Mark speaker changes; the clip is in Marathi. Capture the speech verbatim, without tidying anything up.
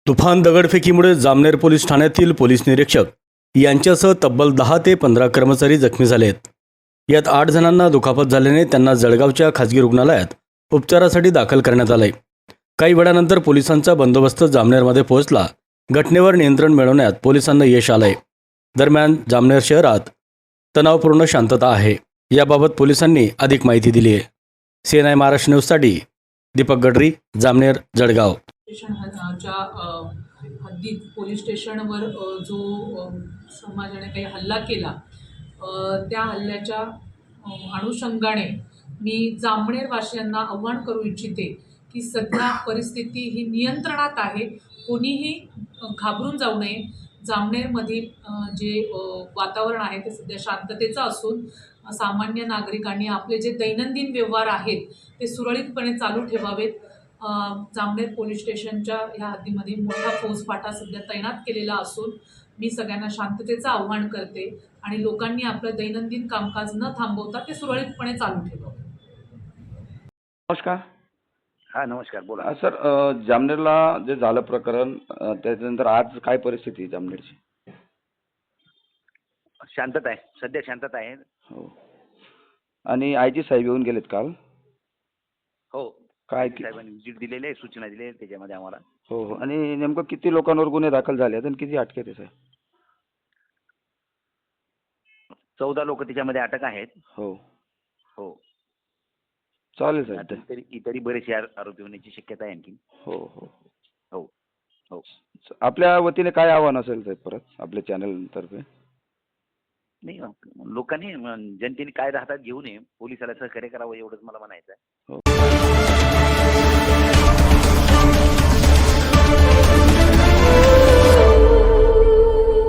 Speaker 1: तुफान दगडफेकीमुळे जामनेर पोलीस ठाण्यातील पोलीस निरीक्षक यांच्यासह तब्बल दहा ते पंधरा कर्मचारी जखमी झालेत। यात आठ जणांना दुखापत झाल्याने त्यांना जळगावच्या खासगी रुग्णालयात उपचारासाठी दाखल करण्यात आले। काही वेळानंतर पोलिसांचा बंदोबस्त जामनेरमध्ये पोहोचला। घटनेवर नियंत्रण मिळवण्यात पोलिसांना यश आले। दरम्यान जामनेर शहरात तणावपूर्ण शांतता आहे। याबाबत पोलिसांनी अधिक माहिती दिली आहे। सीएनआय महाराष्ट्र न्यूजसाठी दीपक गडरी, जामनेर, जळगाव।
Speaker 2: स्टेशनच्या हद्दीत पोलीस स्टेशनवर जो समाजाने काही हल्ला केला, त्या हल्ल्याच्या अनुषंगाने मी जामनेर वासियांना आव्हान करू इच्छिते की सध्या परिस्थिती ही नियंत्रणात आहे। कोणीही घाबरून जाऊ नये। जामनेरमध्ये जे वातावरण आहे ते सध्या शांततेचं असून सामान्य नागरिकांनी आपले जे दैनंदिन व्यवहार आहेत ते सुरळीतपणे चालू ठेवावेत। जामनेर पोलीस स्टेशनच्या ह्या हद्दीमध्ये मोठा फौजफाटा सध्या तैनात केलेला असून मी सगळ्यांना शांततेचं आव्हान करते आणि लोकांनी आपलं दैनंदिन कामकाज न थांबवता ते सुरळीतपणे चालू ठेवावे।
Speaker 3: नमस्कार।
Speaker 4: हा नमस्कार, बोला।
Speaker 3: अ, सर अ, जामनेरला जे झालं प्रकरण, अ, त्याच्यानंतर आज काय परिस्थिती आहे जामनेरची?
Speaker 4: शांतता आहे, सध्या शांतता आहे।
Speaker 3: हो, आणि आय जी साहेब येऊन गेलेत काल?
Speaker 4: हो,
Speaker 3: काय
Speaker 4: साहेबांनी विजिट दिलेली आहे, सूचना दिलेल्या आहेत त्याच्यामध्ये आम्हाला।
Speaker 3: हो हो, आणि नेमकं किती लोकांवर गुन्हे दाखल झाले आहेत आणि किती अटकेत आहे साहेब?
Speaker 4: चौदा लोक त्याच्यामध्ये अटक आहेत।
Speaker 3: हो
Speaker 4: हो,
Speaker 3: चालेल साहेब।
Speaker 4: आता इतरही इतरही बरेचसे आरोपी होण्याची शक्यता आहे आणखी।
Speaker 3: हो हो
Speaker 4: हो हो,
Speaker 3: आपल्या वतीने काय आव्हान असेल साहेब परत आपल्या चॅनल तर्फे?
Speaker 4: नाही, लोकांनी, जनतेने काय राहतात घेऊ नये, पोलिसाला सहकार्य करावं एवढंच मला म्हणायचं आहे।
Speaker 3: हो